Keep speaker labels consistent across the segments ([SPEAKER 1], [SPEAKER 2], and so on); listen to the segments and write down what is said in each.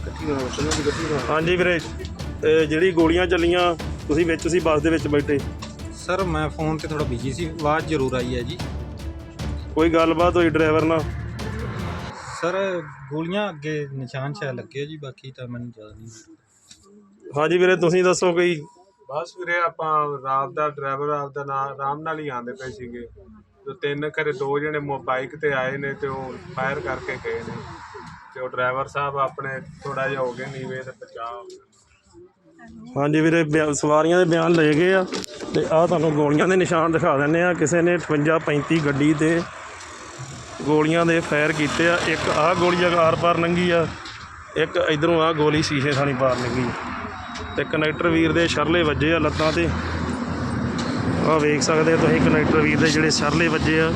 [SPEAKER 1] ਹਾਂਜੀ ਵੀਰੇ, ਜਿਹੜੀ ਗੋਲੀਆਂ ਚੱਲੀਆਂ ਤੁਸੀਂ ਵਿੱਚ ਸੀ ਬੱਸ ਦੇ ਵਿੱਚ ਬੈਠੇ?
[SPEAKER 2] ਸਰ ਮੈਂ ਫੋਨ ਤੇ ਥੋੜਾ ਬਿਜੀ ਸੀ, ਆਵਾਜ਼ ਜ਼ਰੂਰ ਆਈ ਹੈ ਜੀ।
[SPEAKER 1] ਕੋਈ ਗੱਲਬਾਤ ਹੋਈ ਡਰਾਈਵਰ ਨਾਲ?
[SPEAKER 2] ਸਰ ਗੋਲੀਆਂ ਅੱਗੇ ਨਿਸ਼ਾਨ ਸ਼ਾਇਦ ਲੱਗੇ ਜੀ, ਬਾਕੀ ਤਾਂ ਮੈਨੂੰ ਜ਼ਿਆਦਾ ਨਹੀਂ।
[SPEAKER 1] ਹਾਂਜੀ ਵੀਰੇ, ਤੁਸੀਂ ਦੱਸੋ ਕੋਈ?
[SPEAKER 3] ਬਸ ਵੀਰੇ ਆਪਾਂ ਰਾਤ ਦਾ ਡਰਾਈਵਰ ਆਪਦਾ ਨਾਲ ਆਰਾਮ ਨਾਲ ਹੀ ਆਉਂਦੇ ਪਏ ਸੀਗੇ ਤੇ ਤਿੰਨ ਘਰੇ ਦੋ ਜਣੇ ਬਾਈਕ ਤੇ ਆਏ ਨੇ ਤੇ ਉਹ ਫਾਇਰ ਕਰਕੇ ਗਏ ਨੇ ਤੇ ਉਹ ਡਰਾਈਵਰ ਸਾਹਿਬ ਆਪਣੇ ਥੋੜਾ ਜਿਹਾ ਹੋ ਗਏ ਨੀਵੇਂ ਤੇ ਬਚਾਅ ਹੋ ਗਿਆ।
[SPEAKER 1] ਹਾਂਜੀ ਵੀਰੇ, ਸਵਾਰੀਆਂ ਦੇ ਬਿਆਨ ਲਏ ਗਏ ਆ ਤੇ ਆਹ ਤੁਹਾਨੂੰ ਗੋਲੀਆਂ ਦੇ ਨਿਸ਼ਾਨ ਦਿਖਾ ਦਿੰਦੇ ਆ। ਕਿਸੇ ਨੇ 58-35 ਗੱਡੀ ਤੇ ਗੋਲੀਆਂ ਦੇ ਫਾਇਰ ਕੀਤੇ ਆ। ਇੱਕ ਆਹ ਗੋਲੀ ਆਰ ਪਾਰ ਲੰਘੀ ਆ, ਇੱਕ ਇਧਰੋਂ ਆਹ ਗੋਲੀ ਸ਼ੀਸ਼ੇ ਥਾਣੀ ਪਾਰ ਲੰਘੀ ਤੇ ਕਨੈਕਟਰ ਵੀਰ ਦੇ ਸ਼ਰਲੇ ਵੱਜੇ ਆ ਲੱਤਾਂ ਤੇ। ਆਹ ਵੇਖ ਸਕਦੇ ਤੁਸੀਂ ਕਨੈਕਟਰ ਵੀਰ ਦੇ ਜਿਹੜੇ ਸ਼ਰਲੇ ਵੱਜੇ ਆ।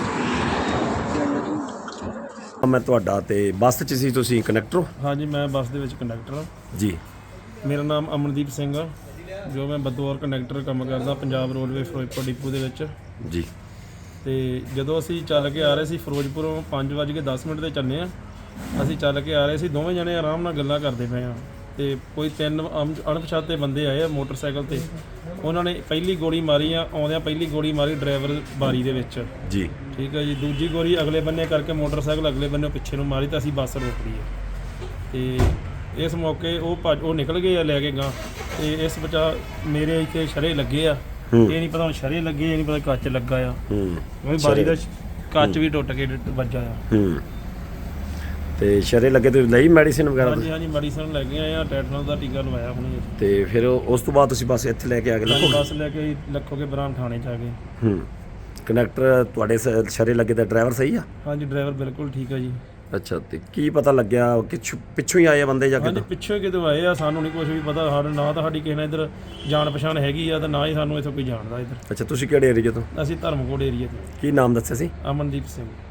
[SPEAKER 4] ਮੈਂ ਤੁਹਾਡਾ ਤੇ ਬੱਸ 'ਚ ਸੀ, ਤੁਸੀਂ ਕੰਡਕਟਰ ਹੋ?
[SPEAKER 1] ਹਾਂਜੀ, ਮੈਂ ਬੱਸ ਦੇ ਵਿੱਚ ਕੰਡਕਟਰ ਹਾਂ
[SPEAKER 4] ਜੀ।
[SPEAKER 1] ਮੇਰਾ ਨਾਮ ਅਮਨਦੀਪ ਸਿੰਘ ਆ, ਜੋ ਮੈਂ ਬਤੌਰ ਕੰਡਕਟਰ ਕੰਮ ਕਰਦਾ ਪੰਜਾਬ ਰੋਡਵੇ ਫਿਰੋਜ਼ਪੁਰ ਡਿਪੂ ਦੇ ਵਿੱਚ
[SPEAKER 4] ਜੀ।
[SPEAKER 1] ਤੇ ਜਦੋਂ ਅਸੀਂ ਚੱਲ ਕੇ ਆ ਰਹੇ ਸੀ ਫਿਰੋਜ਼ਪੁਰੋਂ 5:10 ਤੇ ਚੱਲੇ ਆ। ਅਸੀਂ ਚੱਲ ਕੇ ਆ ਰਹੇ ਸੀ, ਦੋਵੇਂ ਜਣੇ ਆਰਾਮ ਨਾਲ ਗੱਲਾਂ ਕਰਦੇ ਪਏ ਆ ਤੇ ਕੋਈ ਤਿੰਨ ਅਣਪਛਾਤੇ ਬੰਦੇ ਆਏ ਆ ਮੋਟਰਸਾਈਕਲ ਤੇ। ਉਹਨਾਂ ਨੇ ਪਹਿਲੀ ਗੋਲੀ ਮਾਰੀ ਆ, ਆਉਂਦਿਆਂ ਪਹਿਲੀ ਗੋਲੀ ਮਾਰੀ ਡਰਾਈਵਰ ਬਾਰੀ ਦੇ ਵਿੱਚ
[SPEAKER 4] ਜੀ।
[SPEAKER 1] ਠੀਕ ਹੈ ਜੀ। ਦੂਜੀ ਗੋਲੀ ਅਗਲੇ ਬੰਨੇ ਕਰਕੇ ਮੋਟਰਸਾਈਕਲ ਅਗਲੇ ਬੰਨੇ ਪਿੱਛੇ ਨੂੰ ਮਾਰੀ ਤਾਂ ਅਸੀਂ ਬੱਸ ਰੋਕ ਲਈ ਤੇ ਇਸ ਮੌਕੇ ਉਹ ਨਿਕਲ ਗਏ ਆ ਲੈ ਕੇ ਗਾਂ। ਤੇ ਇਸ ਬਚਾ ਮੇਰੇ ਇੱਥੇ ਸ਼ਰੇ ਲੱਗੇ ਆ, ਇਹ ਨਹੀਂ ਪਤਾ ਹੁਣ ਸ਼ਰੇ ਲੱਗੇ, ਇਹ ਨਹੀਂ ਪਤਾ ਕੱਚ ਲੱਗਾ ਆ। ਬਾਰੀ ਦਾ ਕੱਚ ਵੀ ਟੁੱਟ ਕੇ ਵੱਜਾ ਆ।
[SPEAKER 4] ਤੇ ਸ਼ਰੇ ਲੱਗੇ ਤੇ ਲਈ ਮੈਡੀਸਿਨ ਵਗੈਰਾ?
[SPEAKER 1] ਹਾਂਜੀ ਹਾਂਜੀ, ਮੈਡੀਸਨ ਲੈ ਕੇ ਆਏ ਆ, ਟੈਟਨਸ ਦਾ ਟੀਕਾ ਲਵਾਇਆ ਹੁਣੇ।
[SPEAKER 4] ਤੇ ਫਿਰ ਉਸ ਤੋਂ ਬਾਅਦ ਤੁਸੀਂ ਬੱਸ ਇੱਥੇ ਲੈ ਕੇ ਆ ਗਏ?
[SPEAKER 1] ਬੱਸ ਲੈ ਕੇ ਲੱਖੋਗੇ ਬਰਾਮ ਥਾਣੇ 'ਚ ਆ ਗਏ।
[SPEAKER 4] ਕੰਡਕਟਰ ਤੁਹਾਡੇ ਸ਼ਰੇ ਲੱਗੇ ਦਾ ਡਰਾਈਵਰ ਸਹੀ ਆ?
[SPEAKER 1] ਹਾਂਜੀ, ਡਰਾਈਵਰ ਬਿਲਕੁਲ ਠੀਕ ਆ ਜੀ।
[SPEAKER 4] ਅੱਛਾ, ਤੇ ਕੀ ਪਤਾ ਲੱਗਿਆ ਕਿ ਪਿੱਛੋਂ ਹੀ ਆਏ ਬੰਦੇ ਜਾਂ
[SPEAKER 1] ਹਾਂਜੀ,
[SPEAKER 4] ਕਿੱਦਾਂ?
[SPEAKER 1] ਪਿੱਛੋਂ ਹੀ ਕਿਤੇ ਆਏ ਆ, ਸਾਨੂੰ ਨਹੀਂ ਕੁਝ ਵੀ ਪਤਾ। ਸਾਡੇ ਨਾ ਤਾਂ ਸਾਡੀ ਕਿਸੇ ਨਾਲ ਇੱਧਰ ਜਾਣ ਪਛਾਣ ਹੈਗੀ ਆ ਤੇ ਨਾ ਹੀ ਸਾਨੂੰ ਇੱਥੋਂ ਕੋਈ ਜਾਣਦਾ ਇੱਧਰ।
[SPEAKER 4] ਅੱਛਾ, ਤੁਸੀਂ ਕਿਹੜੇ ਏਰੀਏ ਤੋਂ?
[SPEAKER 1] ਅਸੀਂ ਧਰਮਕੋਟ ਏਰੀਆ ਤੋਂ।
[SPEAKER 4] ਕੀ ਨਾਮ ਦੱਸਿਆ ਸੀ?
[SPEAKER 1] ਅਮਨਦੀਪ ਸਿੰਘ।